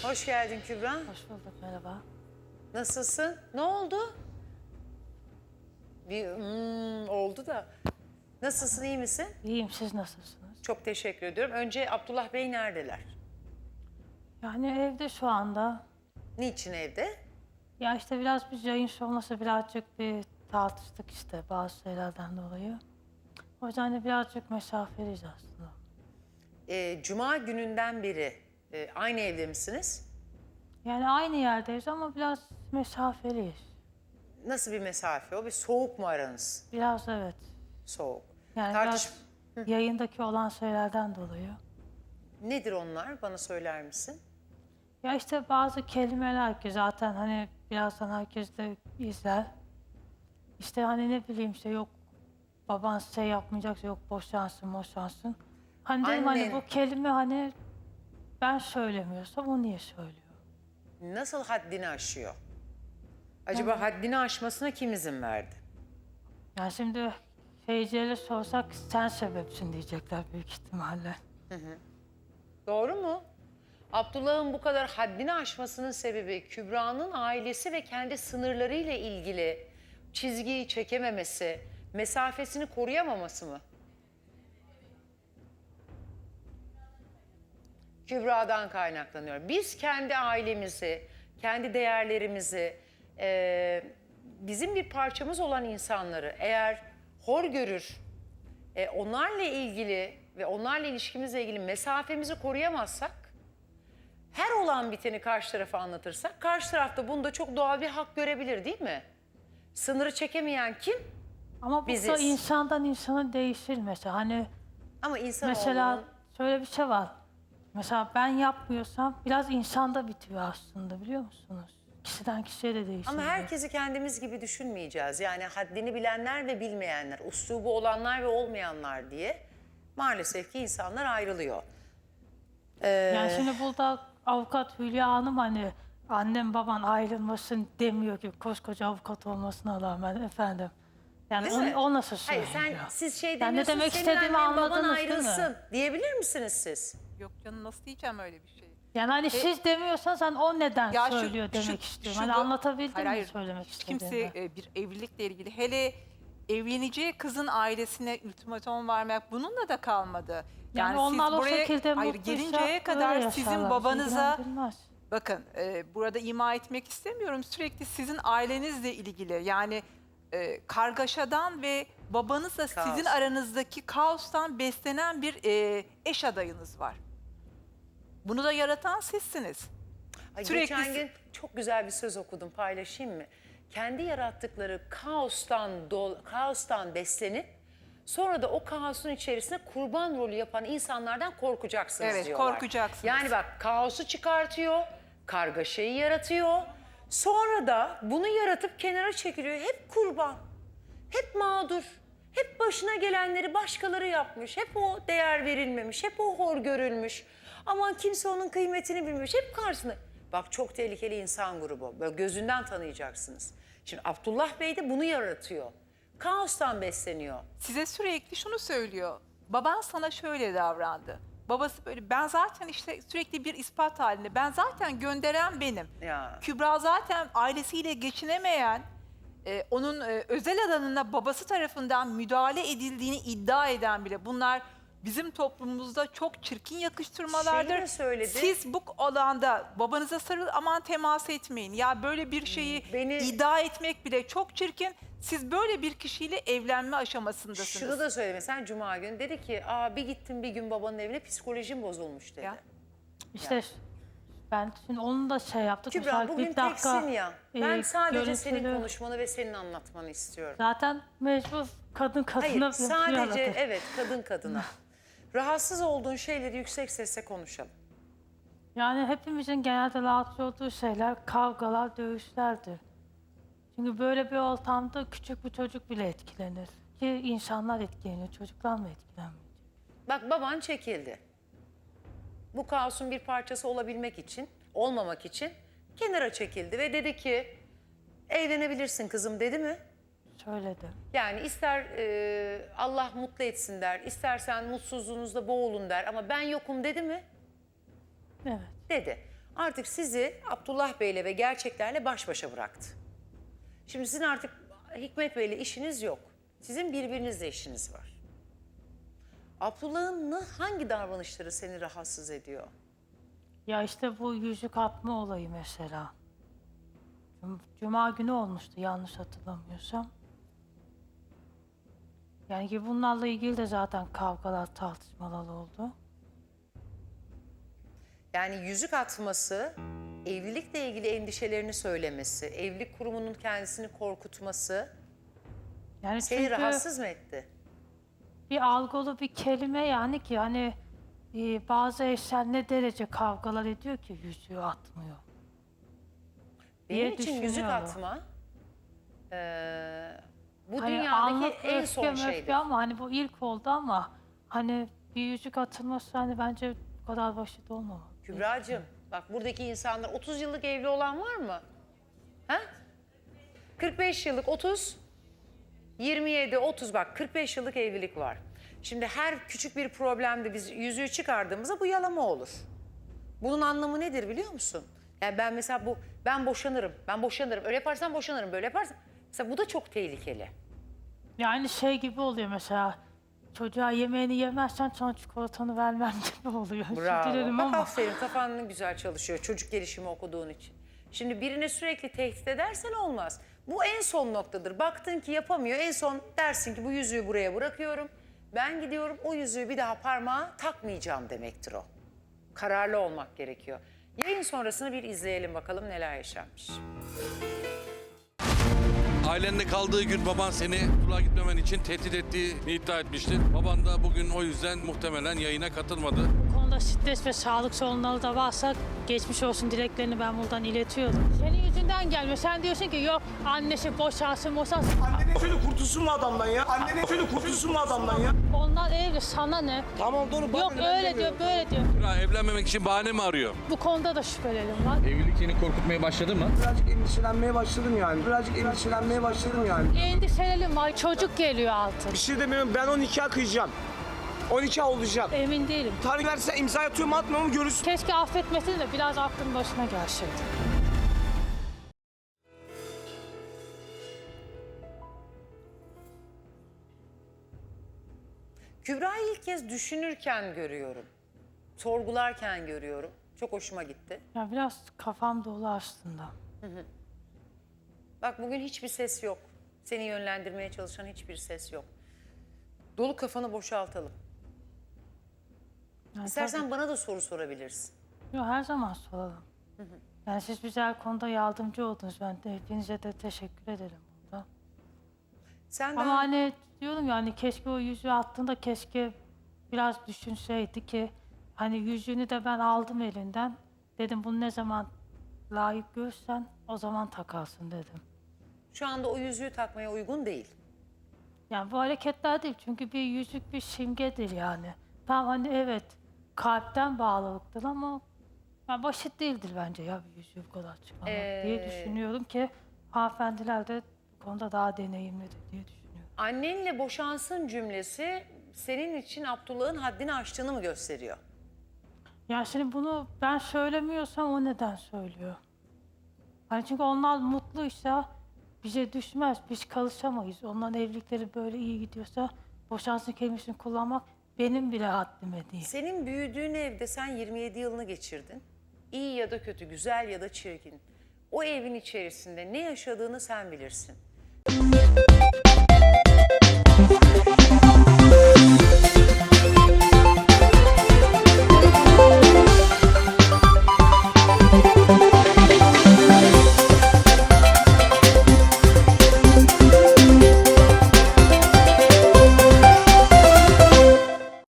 Hoş geldin Kübra. Hoş bulduk, merhaba. Nasılsın? Ne oldu? Bir oldu da. Nasılsın, iyi misin? İyiyim, siz nasılsınız? Çok teşekkür ediyorum. Önce Abdullah Bey neredeler? Yani evde şu anda. Niçin evde? Ya işte biraz biz yayın sonrası birazcık bir tartıştık işte bazı şeylerden dolayı. O yüzden de birazcık mesafeliyiz aslında. Cuma gününden beri aynı evde misiniz? Yani aynı yerdeyiz ama biraz mesafeliyiz. Nasıl bir mesafe o? Bir soğuk mu aranız? Biraz evet. Soğuk. Yani Tartış biraz yayındaki olan şeylerden dolayı. Nedir onlar? Bana söyler misin? Ya işte bazı kelimeler ki zaten hani birazdan herkes de izler. İşte hani ne bileyim işte yok baban şey yapmayacaksa yok boşansın boşansın. Hani dedim Annen- hani bu kelime hani ben söylemiyorsam o niye söylüyor? Nasıl haddini aşıyor? Acaba haddini aşmasına kim izin verdi? Yani şimdi seyircilere sorsak sen sebepsin diyecekler büyük ihtimalle. Doğru mu? Abdullah'ın bu kadar haddini aşmasının sebebi Kübra'nın ailesi ve kendi sınırlarıyla ilgili çizgiyi çekememesi, mesafesini koruyamaması mı? Kübra'dan kaynaklanıyor. Biz kendi ailemizi, kendi değerlerimizi, bizim bir parçamız olan insanları eğer hor görür, onlarla ilgili ve onlarla ilişkimizle ilgili mesafemizi koruyamazsak, her olan biteni karşı tarafa anlatırsak, karşı tarafta bunda çok doğal bir hak görebilir değil mi? Sınırı çekemeyen kim? Ama bu da Biziz. insandan insana değişir mesela. Hani Ama insan mesela şöyle bir şey var. Mesela ben yapmıyorsam biraz insanda bitiyor aslında biliyor musunuz? Kişiden kişiye de değişir. Ama bu. herkesi kendimiz gibi düşünmeyeceğiz. Yani haddini bilenler ve bilmeyenler, uslubu olanlar ve olmayanlar diye maalesef ki insanlar ayrılıyor. Yani şimdi burada avukat Hülya Hanım hani annem baban ayrılmasın demiyor ki koskoca avukat olmasına rağmen efendim. Yani Değil mi? o nasıl Hayır, söylüyor? siz şey Yani ne demiyorsunuz, demek senin istediğimi annen baban anladınız değil mi? ayrılsın diyebilir misiniz siz? Yok canım nasıl diyeceğim öyle bir şey? Yani hani siz demiyorsanız hani o neden Ya söylüyor demek istiyorum. Hani da- anlatabildim mi hayır, söylemek hiç istediğimi? kimse bir evlilikle ilgili hele evleneceği kızın ailesine ultimatom vermek bununla da kalmadı. Yani onlar o şekilde hayır, mutluysa gelinceye öyle kadar yaşarlar, sizin bizi babanıza ilgilendirmez. bakın burada ima etmek istemiyorum, sürekli sizin ailenizle ilgili yani kargaşadan ve babanızla Kaos. sizin aranızdaki kaostan beslenen bir eş adayınız var. Bunu da yaratan sizsiniz. Ay, Sürekli geçen gün çok güzel bir söz okudum, paylaşayım mı? Kendi yarattıkları kaostan beslenip sonra da o kaosun içerisinde kurban rolü yapan insanlardan korkacaksınız Evet, diyorlar. korkacaksınız. Yani bak, kaosu çıkartıyor, kargaşayı yaratıyor. Sonra da bunu yaratıp kenara çekiliyor. Hep kurban, hep mağdur, hep başına gelenleri başkaları yapmış. Hep o değer verilmemiş, hep o hor görülmüş. Aman kimse onun kıymetini bilmemiş, hep karşısında. Bak, çok tehlikeli insan grubu. Böyle gözünden tanıyacaksınız. Şimdi Abdullah Bey de bunu yaratıyor. Kaostan besleniyor. Size sürekli şunu söylüyor. Baban sana şöyle davrandı. Babası böyle, ben zaten işte sürekli bir ispat halinde. Ben zaten gönderen benim. Ya. Kübra zaten ailesiyle geçinemeyen, onun özel alanına babası tarafından müdahale edildiğini iddia eden bile. Bunlar bizim toplumumuzda çok çirkin yakıştırmalardır. Şeyi de söyledi. Siz bu alanda babanıza sarıl, aman temas etmeyin. Ya böyle bir şeyi iddia etmek bile çok çirkin. Siz böyle bir kişiyle evlenme aşamasındasınız. Şunu da söyledi mesela Cuma günü, dedi ki bir gittim bir gün babanın evine, psikolojim bozulmuş dedi. Ya. İşte ben şimdi onu da şey yaptık. Kübra, Mesela bugün bir dakika, teksin ya. Ben sadece senin görüntülü- konuşmanı ve senin anlatmanı istiyorum. Zaten mecbur kadın kadına Hayır, bir sadece yaratır. evet, kadın kadına. Rahatsız olduğun şeyleri yüksek sesle konuşalım. Yani hepimizin genelde rahatsız olduğu şeyler kavgalar, dövüşlerdir. Çünkü böyle bir ortamda küçük bir çocuk bile etkilenir. Ki insanlar etkileniyor, çocuklar mı etkilenmeyecek? Bak, baban çekildi. Bu kaosun bir parçası olabilmek için, olmamak için kenara çekildi ve dedi ki evlenebilirsin kızım, dedi mi? Söyledi. Yani ister Allah mutlu etsin der, istersen mutsuzluğunuzda boğulun der, ama ben yokum, dedi mi? Evet. Dedi. artık sizi Abdullah Bey'le ve gerçeklerle baş başa bıraktı. Şimdi sizin artık Hikmet Bey'le işiniz yok. Sizin birbirinizle işiniz var. Abdullah'ın hangi davranışları seni rahatsız ediyor? Ya işte bu yüzük atma olayı mesela. Cuma günü olmuştu yanlış hatırlamıyorsam. Yani ki bunlarla ilgili de zaten kavgalar, tartışmalar oldu. Yani yüzük atması, evlilikle ilgili endişelerini söylemesi, evlilik kurumunun kendisini korkutması Yani seni çünkü rahatsız mı etti? bir algılı bir kelime yani ki hani bazı eşler ne derece kavgalar ediyor ki yüzüğü atmıyor. Benim diye için yüzük düşünüyorum. atma bu Hani dünyadaki anlık en son öfke şeydir. möfke ama hani bu ilk oldu ama hani bir yüzük atılması hani bence bu kadar basit olmamalı. Kübra'cığım bak buradaki insanlar 30 yıllık evli olan var mı? Ha? 45 yıllık 30, 27, 30 bak 45 yıllık evlilik var. Şimdi her küçük bir problemde biz yüzüğü çıkardığımızda bu yalama olur. Bunun anlamı nedir biliyor musun? Yani ben mesela ben boşanırım. Öyle yaparsan boşanırım, böyle yaparsan. Mesela bu da çok tehlikeli. Yani şey gibi oluyor mesela çocuğa yemeğini yemezsen sana çikolatanı vermem gibi oluyor. Özür dilerim Bak ama. aferin kafan ne güzel çalışıyor çocuk gelişimi okuduğun için. Şimdi birine sürekli tehdit edersen olmaz. Bu en son noktadır. Baktın ki yapamıyor. En son dersin ki bu yüzüğü buraya bırakıyorum. Ben gidiyorum o yüzüğü bir daha parmağa takmayacağım demektir o. Kararlı olmak gerekiyor. Yayın sonrasını bir izleyelim bakalım neler yaşanmış. Ailenle kaldığı gün baban seni okula gitmemen için tehdit ettiğini iddia etmişti. Baban da bugün o yüzden muhtemelen yayına katılmadı. Bu konuda stres ve sağlık sorunları da varsa geçmiş olsun dileklerini ben buradan iletiyorum. Senin yüzünden gelmiyor. Sen diyorsun ki yok annesi boşansın. Annenin şöyle kurtulsun mu adamdan ya? Annenin şöyle kurtulsun mu adamdan ya? Onlar evli sana ne? Tamam doğru. Yok öyle diyor böyle diyor. Ya evlenmemek için bahane mi arıyor? Bu konuda da şüphelerim var. Evlilik seni korkutmaya başladı mı? Birazcık endişelenmeye başladım yani. Endişelerim var. Çocuk geliyor altın. Bir şey demiyorum, ben o nikah kıyacağım. O nikah olacak. Emin değilim. Tarih verse imza atıyorum mu atmıyor mu görürsün. Keşke affetmesin de biraz aklın başına gelseydi. Kübra'yı ilk kez düşünürken görüyorum. Sorgularken görüyorum. Çok hoşuma gitti. Ya biraz kafam dolu aslında. Bak bugün hiçbir ses yok. Seni yönlendirmeye çalışan hiçbir ses yok. Dolu kafanı boşaltalım. Yani İstersen bana da soru sorabilirsin. tabii- Yok, her zaman soralım. Yani siz bize her konuda yardımcı oldunuz. Ben de hepinize de teşekkür ederim burada. Sen Ama daha... hani diyorum ya hani keşke o yüzüğü attığında keşke biraz düşünseydi ki hani yüzüğünü de ben aldım elinden. Dedim bunu ne zaman layık görsen o zaman takarsın dedim. Şu anda o yüzüğü takmaya uygun değil. Yani bu hareketler değil çünkü bir yüzük bir simgedir yani. Tamam hani evet kalpten bağlılıktır ama yani basit değildir bence ya bir yüzüğü bu kadar çıkarmak diye düşünüyorum ki hanımefendiler de bu konuda daha deneyimlidir diye düşünüyorum. Annenle boşansın cümlesi senin için Abdullah'ın haddini aştığını mı gösteriyor? Yani şimdi bunu ben söylemiyorsam o neden söylüyor? Hani çünkü onlar mutluysa bize düşmez, biz çalışamayız. Onların evlilikleri böyle iyi gidiyorsa boşansın kelimesini kullanmak benim bile haddime değil. Senin büyüdüğün evde sen 27 yılını geçirdin. İyi ya da kötü, güzel ya da çirkin. O evin içerisinde ne yaşadığını sen bilirsin.